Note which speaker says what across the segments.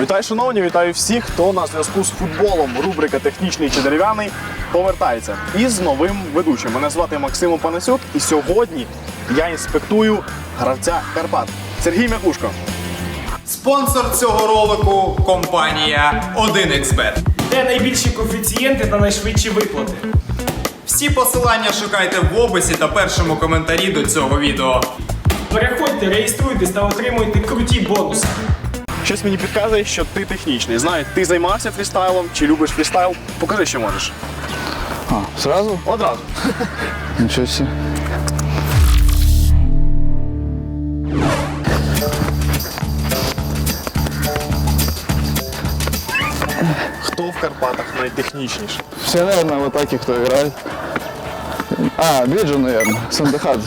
Speaker 1: Вітаю, шановні, вітаю всіх, хто на зв'язку з футболом. Рубрика «Технічний чи дерев'яний» повертається із новим ведучим. Мене звати Максим Панасюк, і сьогодні я інспектую гравця Карпат Сергій Мякушко.
Speaker 2: Спонсор цього ролику – компанія 1xBet.
Speaker 3: Де найбільші коефіцієнти та найшвидші виплати.
Speaker 2: Всі посилання шукайте в описі та першому коментарі до цього відео.
Speaker 3: Переходьте, реєструйтесь та отримуйте круті бонуси.
Speaker 1: Щось мені підказує, що ти технічний. Знаю, ти займався фрістайлом чи любиш фрістайл? Покажи, що можеш.
Speaker 4: Сразу?
Speaker 1: Одразу.
Speaker 4: Ничего себе.
Speaker 1: Хто в Карпатах найтехнічніший?
Speaker 4: Все, наверное, вот такие, кто играет. Виджу, наверное, Сандахадзе.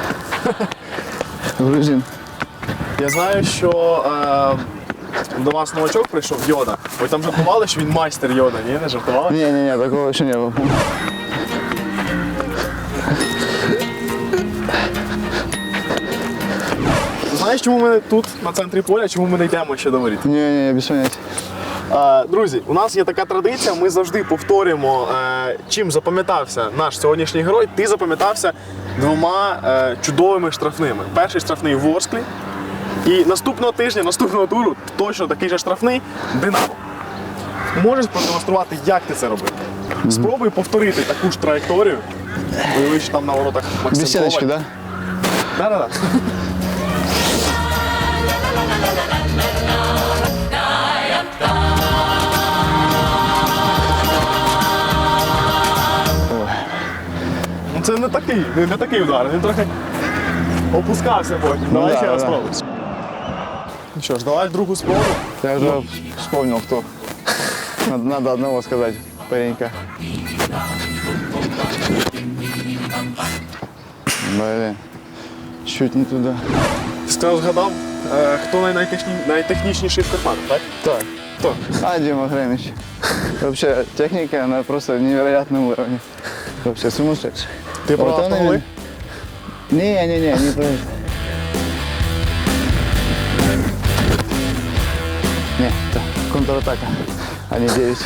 Speaker 4: Грузин.
Speaker 1: Я знаю, що до вас новачок прийшов Йода. Ви там жартували, що він майстер Йода, ні? Не жартували?
Speaker 4: Не-не-не, такого еще не было.
Speaker 1: Знаєш, чому ми тут, на центрі поля, чому ми не йдемо ще до воріт?
Speaker 4: Не-не, без понятия.
Speaker 1: Друзі, у нас є така традиція, ми завжди повторюємо, чим запам'ятався наш сьогоднішній герой. Ти запам'ятався двома чудовими штрафними. Перший штрафний в Ворсклі, і наступного тижня, наступного туру точно такий же штрафний Динамо. Можеш продемонструвати, як ти це робив? Спробуй повторити таку ж траєкторію. Уяви, що там на воротах Максим
Speaker 4: Без сеточки,
Speaker 1: Коваль.
Speaker 4: да?
Speaker 1: Да-да-да. Ну це не такий удар, він трохи опускався потім. Давай
Speaker 4: да,
Speaker 1: ще раз
Speaker 4: да.
Speaker 1: спробуй. Ну що ж, давай другу спробу.
Speaker 4: Я уже вспомнил, кто. Надо одного сказать, паренька. Блин, чуть не туда.
Speaker 1: Ти сказав, згадав, хто найтехнічніший в Карпатах, так?
Speaker 4: Так.
Speaker 1: Хто?
Speaker 4: Дима Гремич. Вообще, техника, она просто на невероятном уровне. Вообще сумасшедший.
Speaker 1: Ти про
Speaker 4: Вот он
Speaker 1: автоголи?
Speaker 4: Не про это. Не, это контратака, а не 9.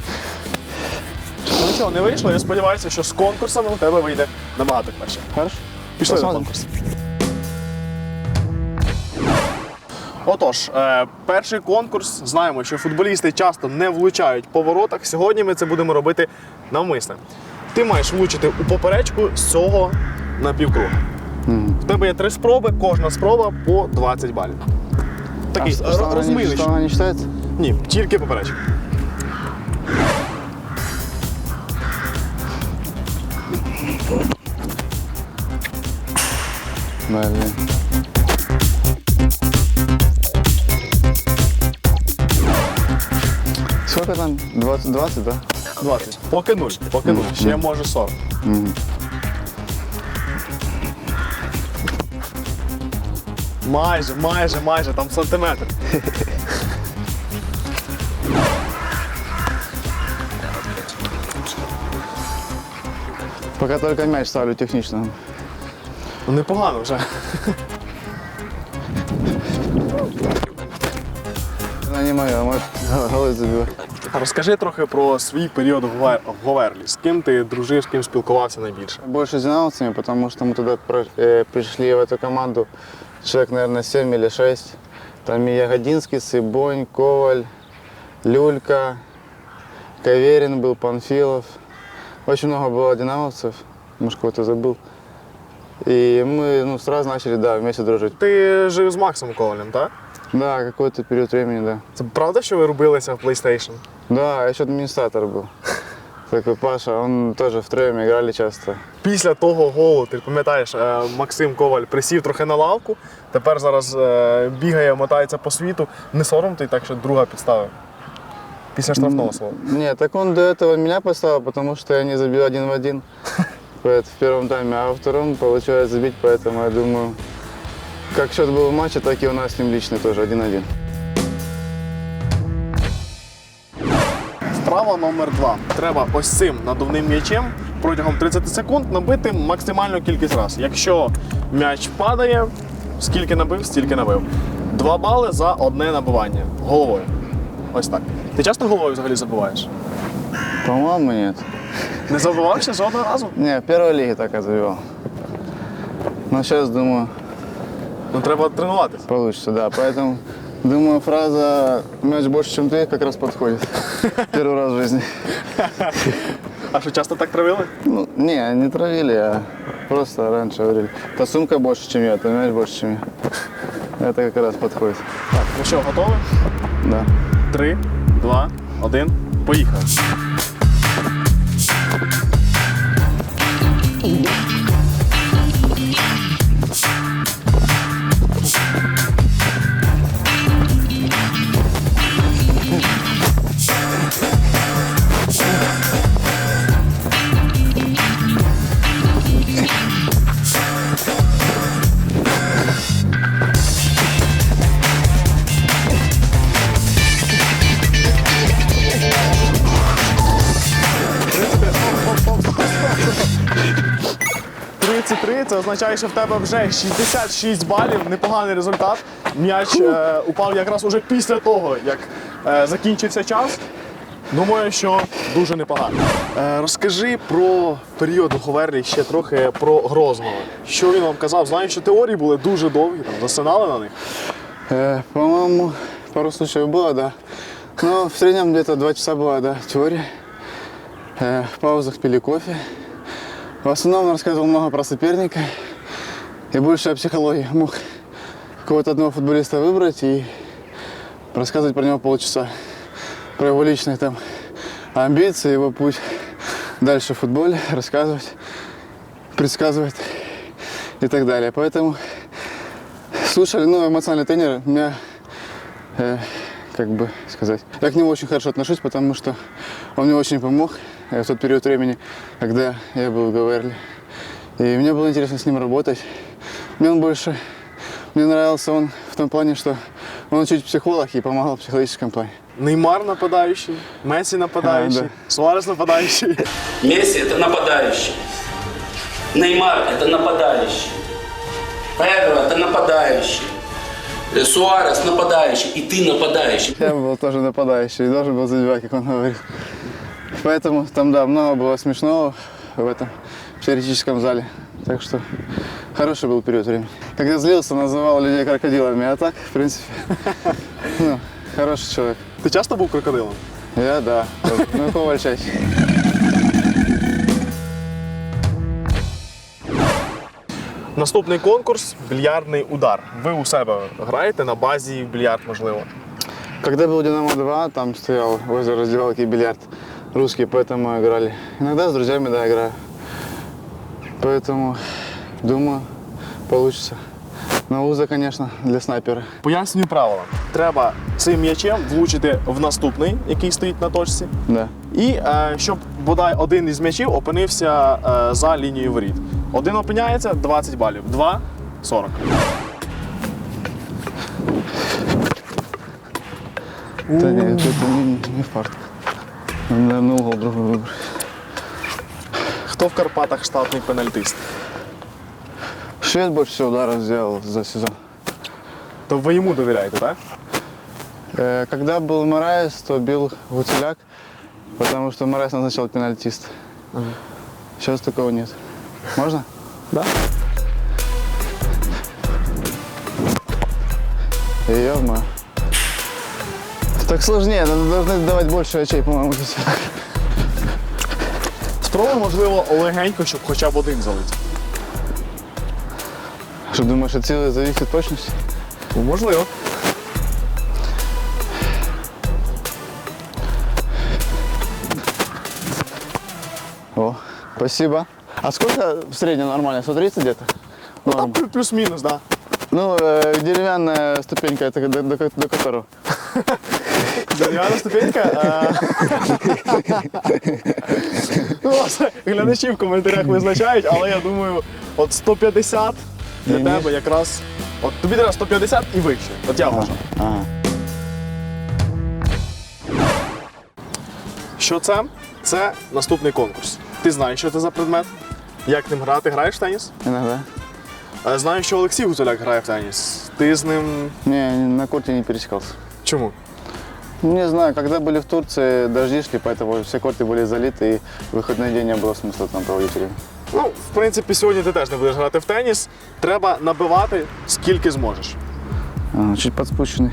Speaker 1: Ну нічого, не вийшло, я сподіваюся, що з конкурсами у тебе вийде набагато краще.
Speaker 4: Хорошо?
Speaker 1: Пішли на
Speaker 4: Посмотрим.
Speaker 1: конкурс. Отож, перший конкурс. Знаємо, що футболісти часто не влучають по воротах. Сьогодні ми це будемо робити навмисне. Ти маєш влучити у поперечку з цього напівкруга. В тебе є 3 спроби, кожна спроба по 20 балів. Такий розмилищ.
Speaker 4: Штанга не считается?
Speaker 1: Ні, тільки поперечка.
Speaker 4: Блин. Сколько там? 20, да?
Speaker 1: 20. Поки 0. Поки 0. Ще може 40. Майже, там сантиметр.
Speaker 4: Пока только мяч ставлю технично.
Speaker 1: Ну непогано вже.
Speaker 4: Она не моя, мой голы забивает.
Speaker 1: А розкажи трохи про свій період в Говерлі. З ким ти дружив, з ким спілкувався найбільше?
Speaker 4: Больше с динамовцами, потому что мы туда пришли в эту команду человек, наверное, 7 или 6. Там и Ягодинский, Сыбонь, Коваль, Люлька, Каверин был, Панфилов. Очень много было динамовцев, может, кого-то забыл. И мы сразу начали, да, вместе дружить.
Speaker 1: Ти жив з Максом Ковалем, так?
Speaker 4: Да, какой-то период времени, да.
Speaker 1: Це правда, що ви рубилися в PlayStation?
Speaker 4: Да, я еще администратор был. Такой Паша, он тоже втроем играли часто.
Speaker 1: Після того голу, ти пам'ятаєш, Максим Коваль присів трохи на лавку, тепер зараз бігає, мотається по світу. Не сором ти так, що друга підставив? Після штрафного слова.
Speaker 4: Нет, так он до этого меня поставил, потому что я не забил 1 в 1 в первом тайме, а во втором получилось забить, поэтому я думаю, как счет был в матче, так и у нас с ним лично тоже 1-1.
Speaker 1: Вправа номер 2. Треба ось цим надувним м'ячем протягом 30 секунд набити максимальну кількість разів. Якщо м'яч падає, скільки набив, стільки набив. 2 бали за одне набивання головою. Ось так. Ти часто головою взагалі забуваєш?
Speaker 4: По-моему, нет.
Speaker 1: Не забувався жодного разу?
Speaker 4: Не, в первой лиге так я забивал. Но сейчас, думаю,
Speaker 1: Ну треба тренуватися.
Speaker 4: получится, да. Поэтому, думаю, фраза «мяч больше, чем ты» как раз подходит. Первый раз в жизни.
Speaker 1: А що часто так травили?
Speaker 4: Ну, не травили, а просто раньше говорили. Та сумка больше, чем я, то мяч больше, чем я. Это как раз подходит.
Speaker 1: Так, ну що, готові?
Speaker 4: Да.
Speaker 1: 3, 2, 1, поїхали. Це означає, що в тебе вже 66 балів, непоганий результат. М'яч упав якраз уже після того, як закінчився час. Думаю, що дуже непогано. Розкажи про період у Говерлі, ще трохи про Грозного. Що він вам казав? Знаю, що теорії були дуже довгі, там, засинали на них.
Speaker 4: По-моему, пару случаев было, да. Но в среднем где-то 2 часа была, да, теория. В паузах пили кофе. В основном он рассказывал много про соперника и больше о психологии. Мог какого-то одного футболиста выбрать и рассказывать про него полчаса. Про его личные там амбиции, его путь дальше в футболе, рассказывать, предсказывать и так далее. Поэтому слушали, ну, эмоциональный тренер меня, как бы сказать, я к нему очень хорошо отношусь, потому что он мне очень помог в тот период времени, когда я был в Говерле. И мне было интересно с ним работать. Мне нравился он в том плане, что он чуть психолог и помогал в психологическом плане.
Speaker 1: Неймар нападаючий, Мессі нападаючий,
Speaker 4: Да.
Speaker 1: Суарес нападаючий.
Speaker 5: Месси – это нападающий. Неймар – это нападающий. Эго – это нападающий. Суарес – нападающий. И ты нападающий.
Speaker 4: Я был тоже нападающий и должен был забивать, как он говорит. Поэтому там, да, много было смешного в этом теоретическом зале. Так что хороший был период времени. Когда злился, называл людей крокодилами, а так, в принципе, ну, хороший человек.
Speaker 1: Ти часто був крокодилом?
Speaker 4: Я, да. Ну, Коваль чаще.
Speaker 1: Наступний конкурс – більярдний удар. Ви у себе граєте на базі в більярд, можливо?
Speaker 4: Когда был «Динамо-2», там стоял возле раздевалки бильярд русский, поэтому мы играли. Иногда с друзьями, да, играю. Поэтому, думаю, получится. Но узо, конечно, для снайпера.
Speaker 1: Пояснюю правила. Треба цим м'ячем влучити в наступний, який стоїть на точці.
Speaker 4: Да.
Speaker 1: І щоб бодай один із м'ячів опинився за лінією воріт. Один опиняється – 20 балів, два – 40.
Speaker 4: Да нет, это не фарт. Надо, наверное, угол другой выбрать.
Speaker 1: Хто в Карпатах штатний пенальтист?
Speaker 4: Швед больше всего ударов сделал за сезон.
Speaker 1: То ви йому довіряєте, так?
Speaker 4: Когда был Мораес, то бил Гуцеляк, потому что Мораес назначал пенальтист. Сейчас такого нет. Можно?
Speaker 1: Да.
Speaker 4: Ё-моё. Так сложнее, должны давать больше очей, по-моему, здесь.
Speaker 1: Спробуй, можливо, легенько, щоб хоча б один залетів.
Speaker 4: Что думаешь, от силы зависит от точности?
Speaker 1: Можливо.
Speaker 4: О, спасибо. А сколько в среднем нормально? 130 где-то?
Speaker 1: Ну, там
Speaker 4: Норм.
Speaker 1: плюс-мінус, так. Да.
Speaker 4: Ну, деревянная ступенька, это до которого?
Speaker 1: Дерев'яна ступенька. Ну, власне, глядачі в коментарях визначають, але я думаю, от 150 для тебе якраз. От тобі треба 150 і вище. От я вважаю.
Speaker 4: Ага.
Speaker 1: Що це? Це наступний конкурс. Ти знаєш, що це за предмет? Як ним грати? Граєш в теніс?
Speaker 4: Иногда.
Speaker 1: Знаю, що Олексій Гуцуляк грає в теніс. Ти з ним
Speaker 4: Не, на корте не пересекался.
Speaker 1: чому?
Speaker 4: Не знаю, когда были в Турции, дожди шли, поэтому все корты были залиты, и в выходной день не было смысла там проводить время.
Speaker 1: Ну, в принципі, сьогодні ти теж не будеш грати в теніс. Треба набивати скільки зможеш.
Speaker 4: Чуть подспущенный.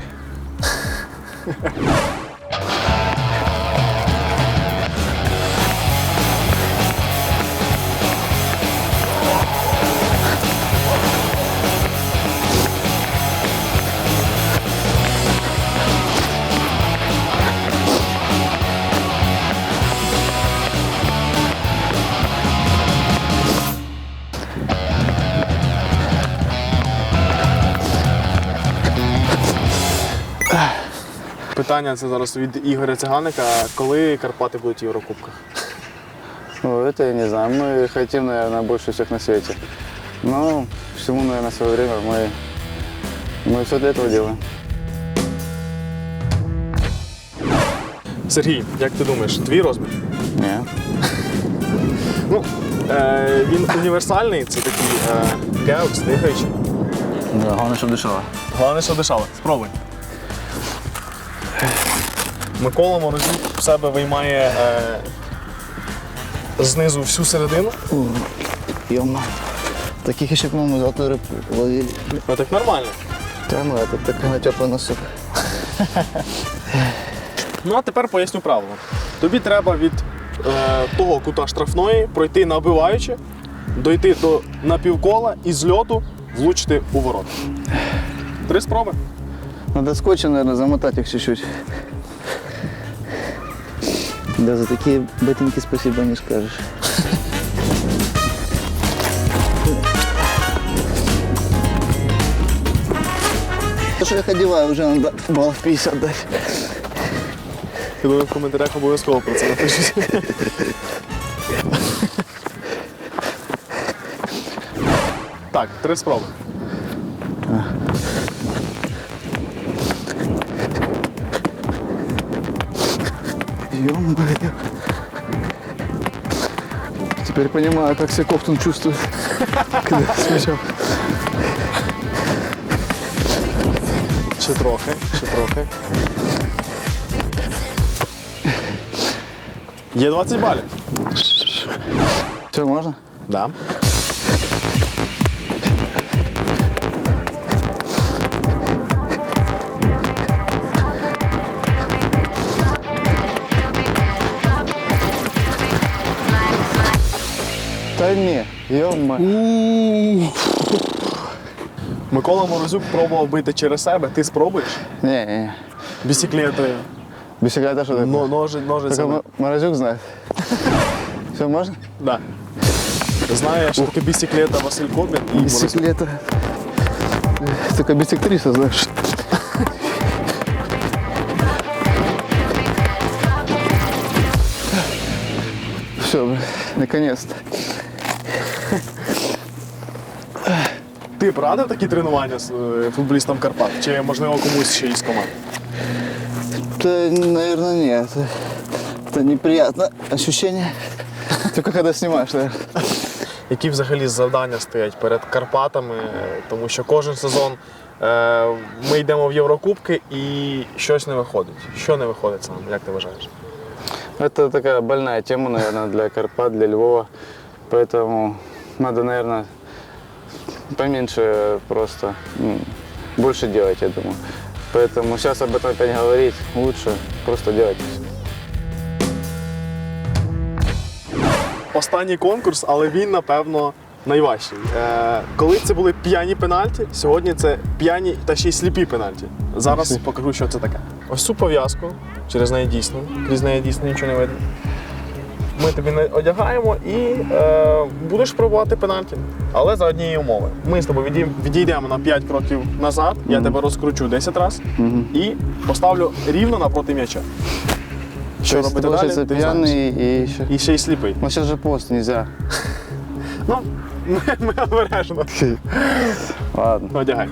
Speaker 1: Питання це зараз від Ігоря Циганика. Коли Карпати будуть в Єврокубках?
Speaker 4: Ну, это я не знаю. Мы хотим, наверное, больше всех на свете. Но всему, наверное, свое время. Мы все для этого делаем.
Speaker 1: Сергій, як ти думаєш, твій розмір?
Speaker 4: Не.
Speaker 1: Ну, він універсальний, це такий геокс, дихаючий.
Speaker 4: Да, главное, чтобы дышало.
Speaker 1: Головне, що дишало. Спробуй. Микола Морозюк в себе виймає знизу всю середину.
Speaker 4: Ё-мо. Таких еще, по-моему, золотую рыбку ловили.
Speaker 1: Ну так нормально.
Speaker 4: Да, ну это такой на теплый носок.
Speaker 1: Ну а тепер поясню правило. Тобі треба від того кута штрафної пройти набиваючи, дойти до напівкола і з льоту влучити у ворота. 3 спроби.
Speaker 4: Надо скотчем, наверное, замотать их чуть-чуть. Да, за такие ботинки спасибо не скажешь. То, что я их одеваю, уже надо баллов 50 дать.
Speaker 1: Я думаю, в коментарях обов'язково про це напишуть. Так, 3 спроби.
Speaker 4: Ё-моё. Теперь понимаю, как себя Ковтун чувствует, когда смешал.
Speaker 1: Ще трохи, ще трохи. Є 20 балів.
Speaker 4: Все, можно?
Speaker 1: Да.
Speaker 4: Да не, ё-моё.
Speaker 1: Микола Морозюк пробував бити через себе. Ти спробуєш?
Speaker 4: Не.
Speaker 1: Бісіклетою.
Speaker 4: Бисеклета что такое? Только
Speaker 1: Ножицями.
Speaker 4: Морозюк знает. Все, можно?
Speaker 1: Да. Знаю, що таке бісіклета Василь Кобін і Морозюк.
Speaker 4: Бисеклета. Только бисектриса, знаешь. Все, наконец-то.
Speaker 1: Ти б радив такі тренування з футболістам Карпат? Чи, можливо, комусь ще із команд?
Speaker 4: Да, наверное, нет. Это неприятное ощущение. Только когда снимаешь, наверное.
Speaker 1: Які взагалі завдання стоять перед Карпатами? Тому що кожен сезон ми йдемо в Єврокубки і щось не виходить. Що не виходить саме, як ти вважаєш?
Speaker 4: Это такая больная тема, наверное, для Карпат, для Львова. Поэтому надо, наверное, поменьше просто, больше делать, я думаю. Поэтому сейчас об этом опять говорить лучше, просто делать.
Speaker 1: Останній конкурс, але він, напевно, найважчий. Коли це були п'яні пенальті, сьогодні це п'яні та ще й сліпі пенальті. Зараз покажу, що це таке. Ось цю пов'язку, через неї дійсно, крізь неї дійсно нічого не видно. Ми тобі не одягаємо і будеш пробувати пенальті. Але за однієї умови. Ми з тобою відійдемо на 5 кроків назад, я тебе розкручу 10 разів і поставлю рівно напроти м'яча. Що робити далі?
Speaker 4: Получается
Speaker 1: ти знаєш.
Speaker 4: пьяный и еще...
Speaker 1: І ще й сліпий.
Speaker 4: Ну сейчас же пост, нельзя.
Speaker 1: Ну, ми обережно.
Speaker 4: Ладно.
Speaker 1: Одягай.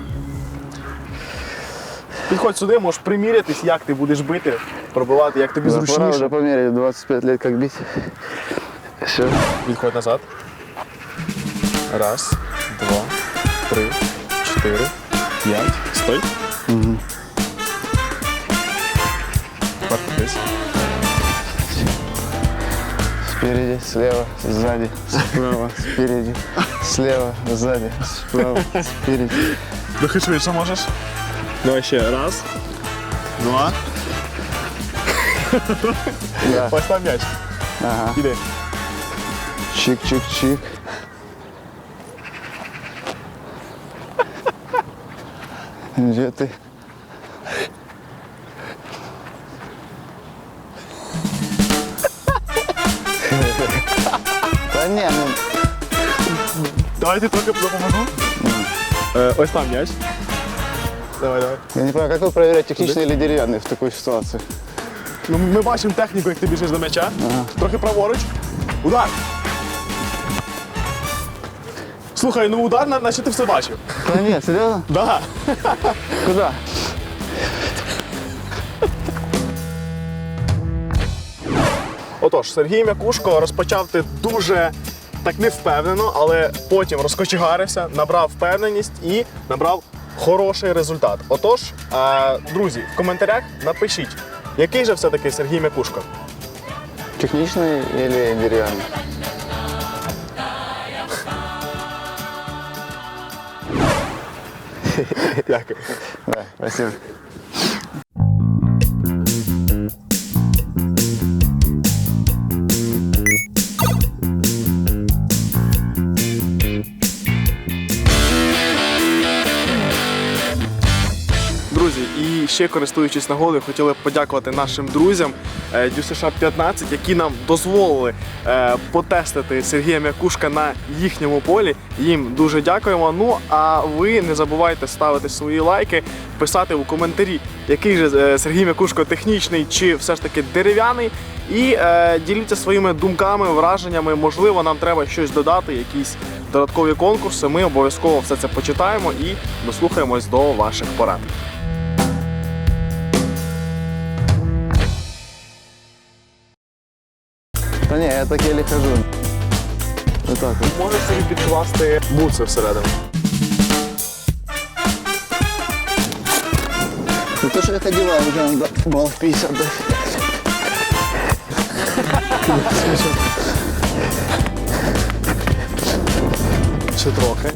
Speaker 1: Підходь сюди, можеш примірятись, як ти будеш бити, пробивати, як тобі
Speaker 4: Да, пора
Speaker 1: зручніше.
Speaker 4: уже померить, 25 лет как бить. Все.
Speaker 1: Відходь назад. 1, 2, 3, 4, 5. Стой. Дивись.
Speaker 4: Спереди, слева, сзади, справа, спереди, слева, сзади, справа, спереди.
Speaker 1: Трохи швидше можеш. Давай ще. Раз. Два.
Speaker 4: Да.
Speaker 1: Ось там м'яч.
Speaker 4: Ага.
Speaker 1: Іди.
Speaker 4: Чик-чик-чик. Где ты? Да не, ну,
Speaker 1: Давайте трохи допоможу. Ось там м'яч. Давай, давай.
Speaker 4: я не понимаю, как вы проверяете, техничный или деревянный в такой ситуации?
Speaker 1: Ну, ми бачимо техніку, як ти біжиш до м'яча. Трохи праворуч. Удар. Слухай, ну удар, наче ти все бачив.
Speaker 4: Да нет, серьезно?
Speaker 1: Да.
Speaker 4: Куда?
Speaker 1: Отож, Сергій Мякушко розпочав ти дуже так невпевнено, але потім розкочегарився, набрав впевненість і набрав хороший результат. Отож, друзі, в коментарях напишіть, який же все-таки Сергій Мякушко.
Speaker 4: Техничный или деревянный?
Speaker 1: Дякую.
Speaker 4: Да, спасибо.
Speaker 1: Друзі, і ще користуючись нагодою, хотіли б подякувати нашим друзям DЮСШ 15, які нам дозволили потестити Сергія Мякушка на їхньому полі. Їм дуже дякуємо. Ну а ви не забувайте ставити свої лайки, писати у коментарі, який же Сергій Мякушко технічний чи все ж таки дерев'яний. І діліться своїми думками, враженнями. Можливо, нам треба щось додати, якісь додаткові конкурси. Ми обов'язково все це почитаємо і дослухаємось до ваших порад.
Speaker 4: Да не, я так еле хожу. Вот так вот.
Speaker 1: Можеш собі підкласти бутси всередину.
Speaker 4: Ну то, что я одеваю, уже надо баллов 50 дать.
Speaker 1: Ще трохи.